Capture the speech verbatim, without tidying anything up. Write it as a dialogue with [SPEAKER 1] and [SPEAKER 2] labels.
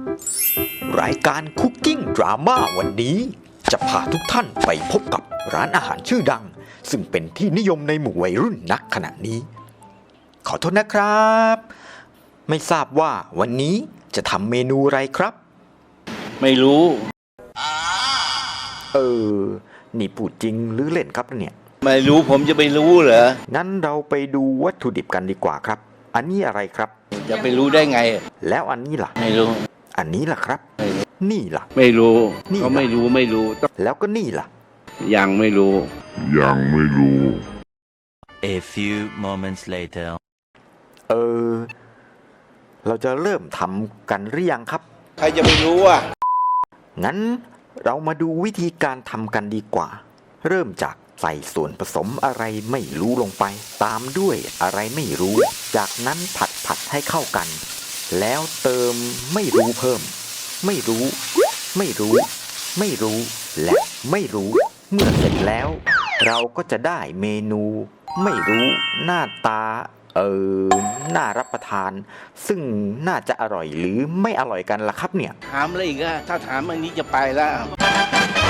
[SPEAKER 1] รายการคุกกิ้งดราม่าวันนี้จะพาทุกท่านไปพบกับร้านอาหารชื่อดังซึ่งเป็นที่นิยมในหมู่วัยรุ่นนักขณะนี้ขอโทษนะครับไม่ทราบว่าวันนี้จะทำเมนูอะไรครับ
[SPEAKER 2] ไม่รู้
[SPEAKER 1] เออนี่พูดจริงหรือเล่นครับเนี่ย
[SPEAKER 2] ไม่รู้ผมจะไปรู้เหรอ
[SPEAKER 1] งั้นเราไปดูวัตถุดิบกันดีกว่าครับอันนี้อะไรครับ
[SPEAKER 2] จะไปรู้ได้ไง
[SPEAKER 1] แล้วอันนี้ล่ะ
[SPEAKER 2] ไม่รู้
[SPEAKER 1] อันนี้ล่ะครับนี่ล่ะ
[SPEAKER 2] ไม่รู้
[SPEAKER 1] เขา
[SPEAKER 2] ไม่รู้ไม่รู้
[SPEAKER 1] แล้วก็นี่ล่ะ
[SPEAKER 2] ยังไม่รู้
[SPEAKER 3] ยังไม่รู้
[SPEAKER 4] A few moments later
[SPEAKER 1] เออเราจะเริ่มทำกันหรือยังครับ
[SPEAKER 2] ใครจะไปรู้อ่ะ
[SPEAKER 1] งั้นเรามาดูวิธีการทำกันดีกว่าเริ่มจากใส่ส่วนผสมอะไรไม่รู้ลงไปตามด้วยอะไรไม่รู้จากนั้นผัดผัดให้เข้ากันแล้วเติมไม่รู้เพิ่มไม่รู้ไม่รู้ไม่รู้และไม่รู้เมื่อเสร็จแล้วเราก็จะได้เมนูไม่รู้หน้าตาเออน่ารับประทานซึ่งน่าจะอร่อยหรือไม่อร่อยกันล่ะครับเนี่ย
[SPEAKER 2] ถามอะไรอีกอะถ้าถามอันนี้จะไปแล้ว